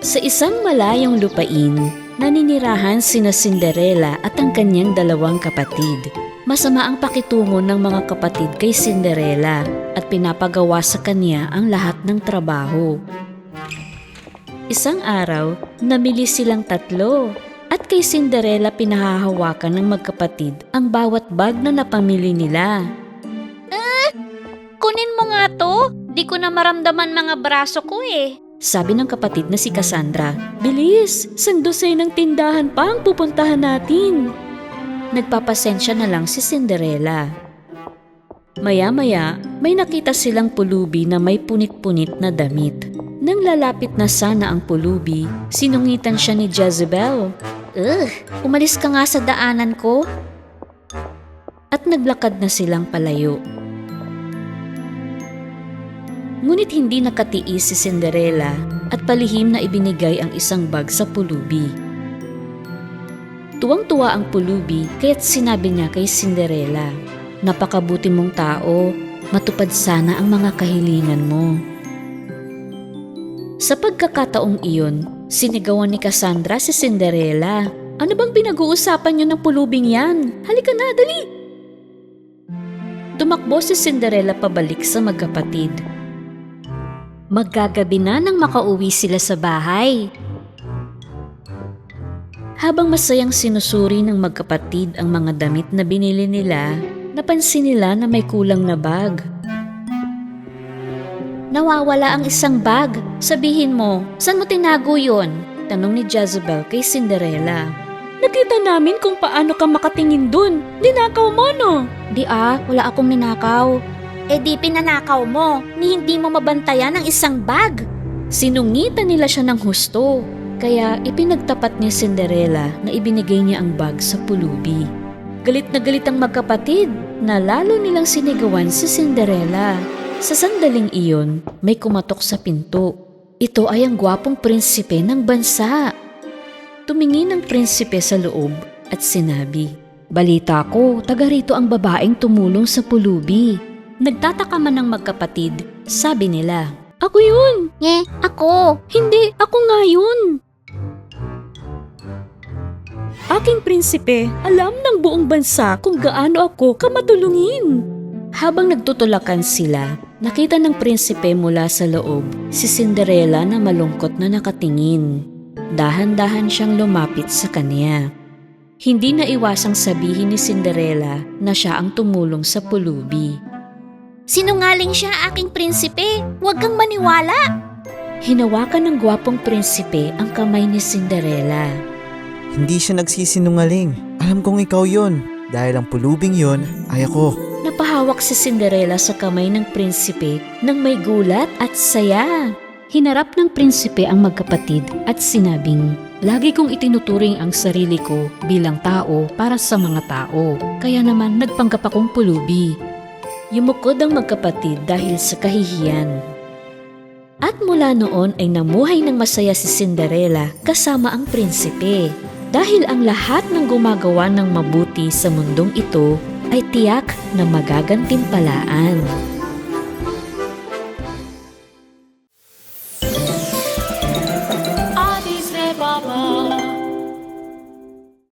Sa isang malayong lupain, naninirahan sina Cinderella at ang kanyang dalawang kapatid. Masama ang pakitungo ng mga kapatid kay Cinderella at pinapagawa sa kanya ang lahat ng trabaho. Isang araw, namili silang tatlo at kay Cinderella pinahahawakan ng magkapatid ang bawat bag na napamili nila. Kunin mo nga to. Di ko na maramdaman mga braso ko eh. Sabi ng kapatid na si Cassandra, "Bilis! Sandosay ng tindahan pa ang pupuntahan natin." Nagpapasensya na lang si Cinderella. Maya-maya, may nakita silang pulubi na may punit-punit na damit. Nang lalapit na sana ang pulubi, sinungitan siya ni Jezebel. Umalis ka nga sa daanan ko. At naglakad na silang palayo. Ngunit hindi nakatiis si Cinderella at palihim na ibinigay ang isang bag sa pulubi. Tuwang-tuwa ang pulubi kaya't sinabi niya kay Cinderella, "Napakabuti mong tao, matupad sana ang mga kahilingan mo." Sa pagkakataong iyon, sinigawan ni Cassandra si Cinderella. "Ano bang pinag-uusapan niyo ng pulubing yan? Halika na, dali!" Tumakbo si Cinderella pabalik sa magkapatid. Maggagabi na nang makauwi sila sa bahay. Habang masayang sinusuri ng magkapatid ang mga damit na binili nila, napansin nila na may kulang na bag. Nawawala ang isang bag. Sabihin mo, saan mo tinago yun? Tanong ni Jezebel kay Cinderella. "Nakita namin kung paano ka makatingin dun. Ninakaw mo, no?" Wala akong ninakaw. Di pinanakaw mo, ni hindi mo mabantayan ang isang bag. Sinungitan nila siya ng husto, kaya ipinagtapat ni Cinderella na ibinigay niya ang bag sa pulubi. Galit na galit ang magkapatid na lalo nilang sinigawan si Cinderella. Sa sandaling iyon, may kumatok sa pinto. Ito ay ang gwapong prinsipe ng bansa. Tumingin ang prinsipe sa loob at sinabi, "Balita ko, taga rito ang babaeng tumulong sa pulubi." Nagtataka man ng magkapatid, sabi nila, "Ako yun!" Ako. "Hindi, ako nga yun!" "Aking prinsipe, alam ng buong bansa kung gaano ako kamatulungin." Habang nagtutulakan sila, nakita ng prinsipe mula sa loob si Cinderella na malungkot na nakatingin. Dahan-dahan siyang lumapit sa kanya. Hindi na iwasang sabihin ni Cinderella na siya ang tumulong sa pulubi. Sinungaling siya, aking prinsipe. Huwag kang maniwala. Hinawakan ng gwapong prinsipe ang kamay ni Cinderella. Hindi siya nagsisinungaling. Alam kong ikaw yon. Dahil ang pulubing yon ay ako. Napahawak si Cinderella sa kamay ng prinsipe nang may gulat at saya. Hinarap ng prinsipe ang magkapatid at sinabing, "Lagi kong itinuturing ang sarili ko bilang tao para sa mga tao. Kaya naman nagpanggap akong pulubi." Yumukod ang magkapatid dahil sa kahihiyan. At mula noon ay namuhay ng masaya si Cinderella kasama ang prinsipe. Dahil ang lahat ng gumagawa ng mabuti sa mundong ito ay tiyak na magagantimpalaan.